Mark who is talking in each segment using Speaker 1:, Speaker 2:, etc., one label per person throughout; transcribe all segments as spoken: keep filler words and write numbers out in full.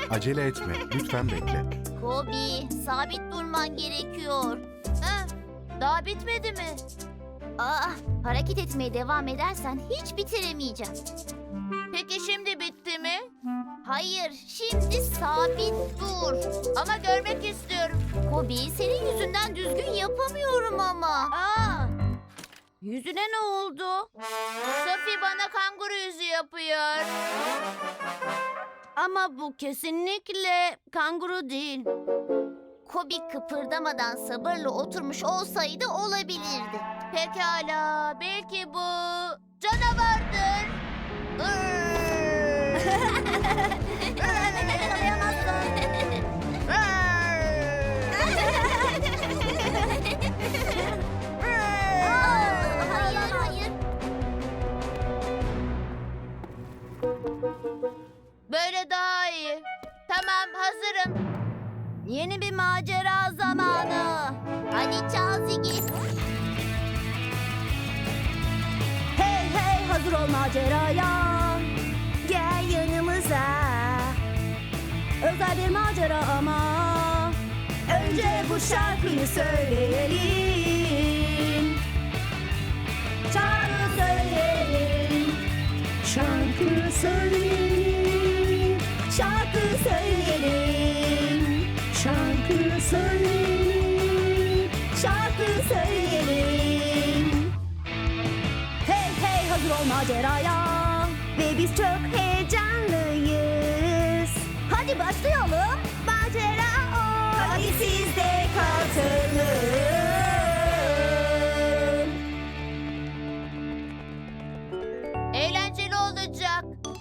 Speaker 1: Acele etme, lütfen bekle.
Speaker 2: Kobi, sabit durman gerekiyor. Ha, daha bitmedi mi? Aa, hareket etmeye devam edersen hiç bitiremeyeceğim. Peki şimdi bitti mi? Hayır, şimdi sabit dur. Ama görmek istiyorum. Kobi, senin yüzünden düzgün yapamıyorum ama. Aa, yüzüne ne oldu? Sophie bana kanguru yüzü yapıyor. Ama bu kesinlikle kanguru değil. Kobi kıpırdamadan sabırla oturmuş olsaydı olabilirdi. Pekala, belki bu canavardır. Hayır, hayır. Böyle daha iyi. Tamam, hazırım. Yeni bir macera zamanı. Hadi çal Ziggy.
Speaker 3: Hey hey hazır ol maceraya. Gel yanımıza. Özel bir macera ama. Önce bu şarkıyı söyleyelim. Şarkı söyleyelim. Şarkı söyleyelim. Şarkı söyleyelim. Şarkı söyleyelim. Şarkı söyleyelim. Hey hey hazır ol maceraya. Ve biz çok heyecanlıyız. Hadi başlayalım. Macera o. Hadi siz de katılın.
Speaker 2: Eğlenceli olacak.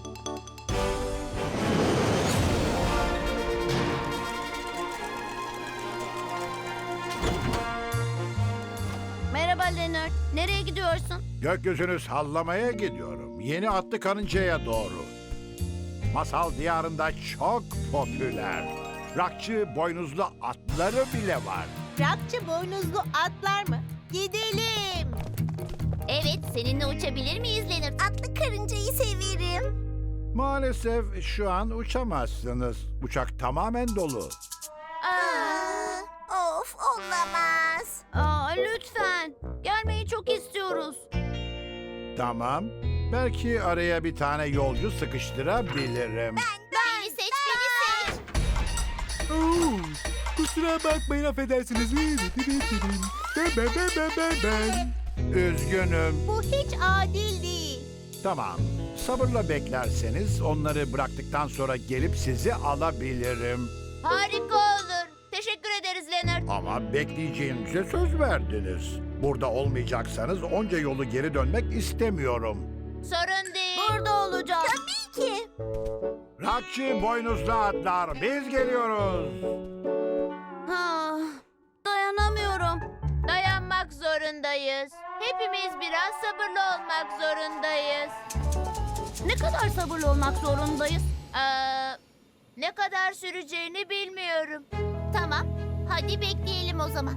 Speaker 2: Merhaba Leonard. Nereye gidiyorsun?
Speaker 4: Gökyüzünü sallamaya gidiyorum. Yeni atlı karıncaya doğru. Masal diyarında çok popüler. Rakçı boynuzlu atları bile var.
Speaker 5: Rakçı boynuzlu atlar mı? Gidelim.
Speaker 2: Evet, seninle uçabilir miyiz Leonard? Atlı karıncayı severim.
Speaker 4: Maalesef şu an uçamazsınız. Uçak tamamen dolu.
Speaker 2: Aa, of, olamaz. Aa, lütfen. Gelmeyi çok istiyoruz.
Speaker 4: Tamam. Belki araya bir tane yolcu sıkıştırabilirim.
Speaker 2: Beni seç, beni seç.
Speaker 1: Oo, kusura bakmayın, affedersiniz. Ben, ben, ben, ben, ben, ben.
Speaker 4: Üzgünüm.
Speaker 5: Bu hiç adil değil.
Speaker 4: Tamam. Sabırla beklerseniz onları bıraktıktan sonra gelip sizi alabilirim.
Speaker 2: Harika olur. Teşekkür ederiz Leonard.
Speaker 4: Ama bekleyeceğinize söz verdiniz. Burada olmayacaksanız onca yolu geri dönmek istemiyorum.
Speaker 2: Sorun değil.
Speaker 3: Burada olacağız.
Speaker 2: Tabii ki.
Speaker 4: Rakçı boynuzlu atlar, biz geliyoruz.
Speaker 3: Ah, dayanamıyorum.
Speaker 2: Dayanmak zorundayız. Hepimiz biraz sabırlı olmak zorundayız.
Speaker 3: Ne kadar sabırlı olmak zorundayız?
Speaker 2: Aa, ne kadar süreceğini bilmiyorum. Tamam, hadi bekleyelim o zaman.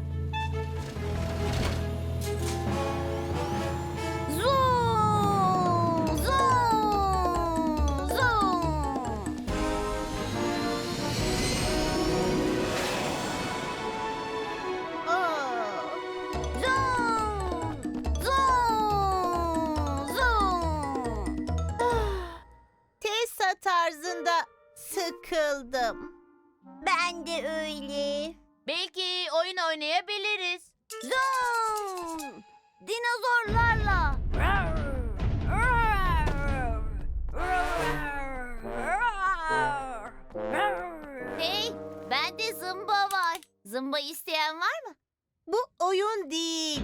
Speaker 3: Zoom! Zoom! Zoom!
Speaker 5: Oo.
Speaker 3: Zoom! Zoom! Zoom!
Speaker 5: Tessa tarzında sıkıldım.
Speaker 2: Ben de öyle. Belki oyun oynayabiliriz.
Speaker 3: Zoom! Dinozorlarla!
Speaker 2: Hey, bende zımba var. Zımba isteyen var mı?
Speaker 5: Bu oyun değil.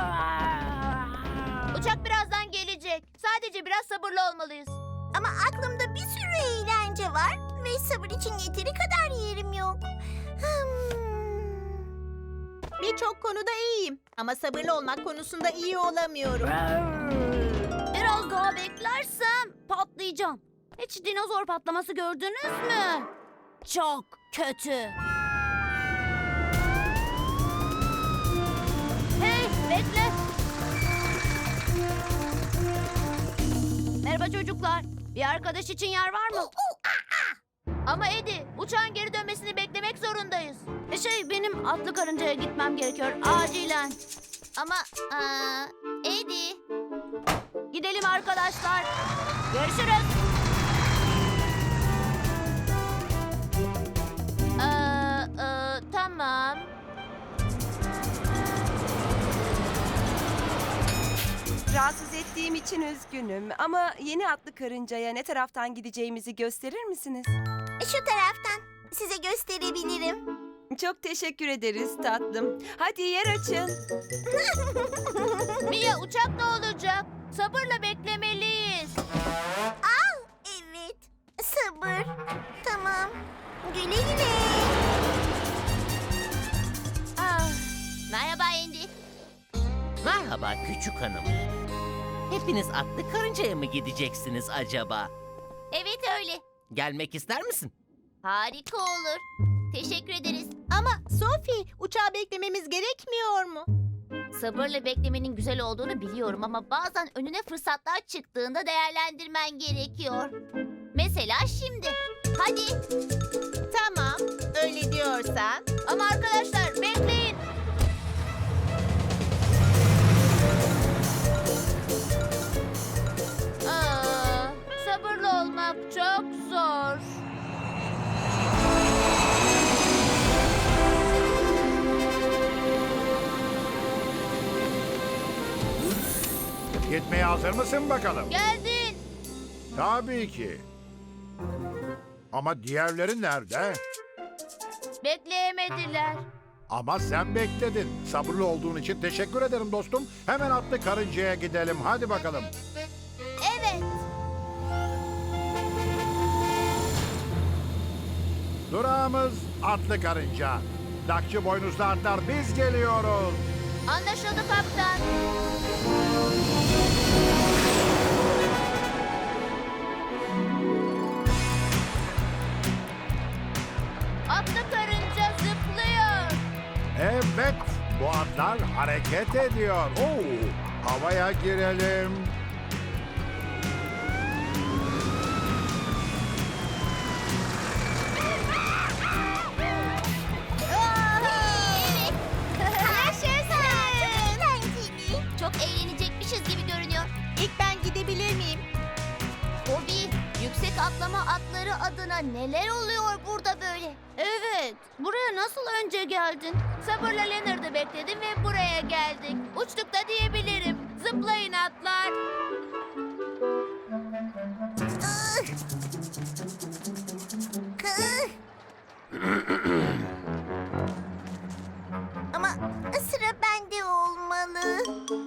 Speaker 2: Uçak birazdan gelecek. Sadece biraz sabırlı olmalıyız. Ama aklımda bir sürü eğlence var ve sabır için yeteri kadar yerim yok.
Speaker 5: Birçok konuda iyiyim ama sabırlı olmak konusunda iyi olamıyorum.
Speaker 3: Biraz daha beklersem patlayacağım. Hiç dinozor patlaması gördünüz mü? Çok kötü. Hey, bekle. Merhaba çocuklar. Bir arkadaş için yer var mı?
Speaker 2: Ama Eddie, Uçağın geri dönmesini beklemek zorundayız. E şey, benim atlı karıncaya gitmem gerekiyor acilen. Ama aa, Eddie. Gidelim arkadaşlar. Görüşürüz. Ee, e, tamam.
Speaker 6: Rahatsız ettiğim için üzgünüm ama yeni atlı karıncaya ne taraftan gideceğimizi gösterir misiniz?
Speaker 3: Şu taraftan. Size gösterebilirim.
Speaker 6: Çok teşekkür ederiz tatlım. Hadi yer açın.
Speaker 2: Mia, uçak ne olacak? Sabırla beklemeliyiz.
Speaker 3: Al. Evet. Sabır. Tamam. Güle güle.
Speaker 2: Ah, merhaba Andy.
Speaker 7: Merhaba küçük hanım. Hepiniz atlı karıncaya mı gideceksiniz acaba?
Speaker 2: Evet öyle.
Speaker 7: Gelmek ister misin?
Speaker 2: Harika olur. Teşekkür ederiz.
Speaker 5: Ama Sophie, uçağı beklememiz gerekmiyor mu?
Speaker 2: Sabırla beklemenin güzel olduğunu biliyorum ama bazen önüne fırsatlar çıktığında değerlendirmen gerekiyor. Mesela şimdi. Hadi.
Speaker 5: Tamam, öyle diyorsan.
Speaker 2: Ama arkadaşlar bekleyin. Aa, sabırlı olmak çok zor.
Speaker 4: Gitmeye hazır mısın bakalım?
Speaker 2: Geldin.
Speaker 4: Tabii ki. Ama diğerleri nerede?
Speaker 2: Bekleyemediler.
Speaker 4: Ama sen bekledin. Sabırlı olduğun için teşekkür ederim dostum. Hemen atlı karıncaya gidelim. Hadi bakalım.
Speaker 2: Evet.
Speaker 4: Durağımız atlı karınca. Dakçı boynuzlu atlar biz geliyoruz.
Speaker 2: Anlaşıldı kaptan. Atlı karınca zıplıyor.
Speaker 4: Evet, bu atlar hareket ediyor. Oo, havaya girelim.
Speaker 2: Evet.
Speaker 3: Yaşasın. Çok eğlenceli.
Speaker 2: Çok eğlenecekmişiz gibi görünüyor.
Speaker 5: İlk ben gidebilir miyim?
Speaker 2: Bobby, yüksek atlama atları adına neler oluyor burada böyle? Evet, buraya nasıl önce geldin? Sabırla Leonard'ı bekledim ve buraya geldik. Uçtuk da diyebilirim. Zıplayın atlar.
Speaker 3: Kıh. Ama sıra bende olmalı.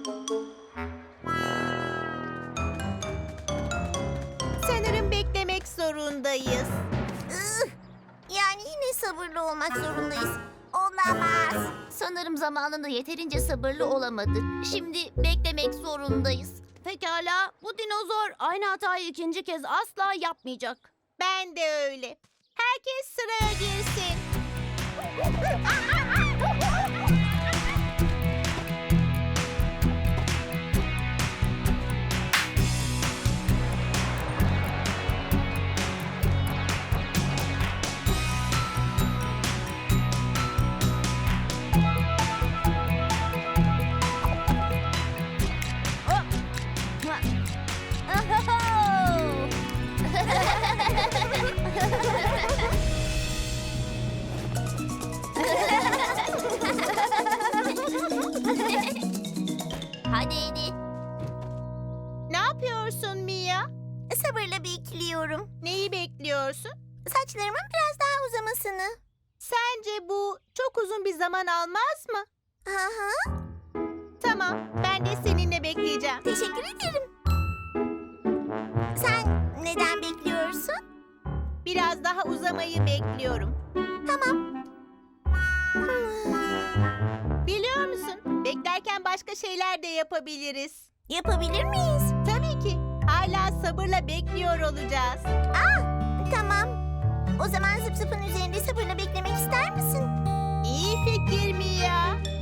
Speaker 5: Sanırım beklemek zorundayız.
Speaker 3: Ih, Yani yine sabırlı olmak zorundayız. Olamaz.
Speaker 2: Sanırım zamanında yeterince sabırlı olamadık. Şimdi beklemek zorundayız. Pekala, bu dinozor aynı hatayı ikinci kez asla yapmayacak.
Speaker 5: Ben de öyle. Herkes sıraya girsin.
Speaker 2: Hadi Eddie.
Speaker 5: Ne yapıyorsun Mia?
Speaker 3: Sabırla bekliyorum.
Speaker 5: Neyi bekliyorsun?
Speaker 3: Saçlarımın biraz daha uzamasını.
Speaker 5: Sence bu çok uzun bir zaman almaz mı?
Speaker 3: Hı hı.
Speaker 5: Tamam, ben de seninle bekleyeceğim.
Speaker 3: Teşekkür ederim. Sen neden bekliyorsun?
Speaker 5: Biraz daha uzamayı bekliyorum.
Speaker 3: Tamam.
Speaker 5: Biliyor musun? Beklerken başka şeyler de yapabiliriz.
Speaker 3: Yapabilir miyiz?
Speaker 5: Tabii ki. Hala sabırla bekliyor olacağız.
Speaker 3: Tamam. O zaman zıp zıpın üzerinde sabırla beklemek ister misin?
Speaker 5: İyi fikir Mia.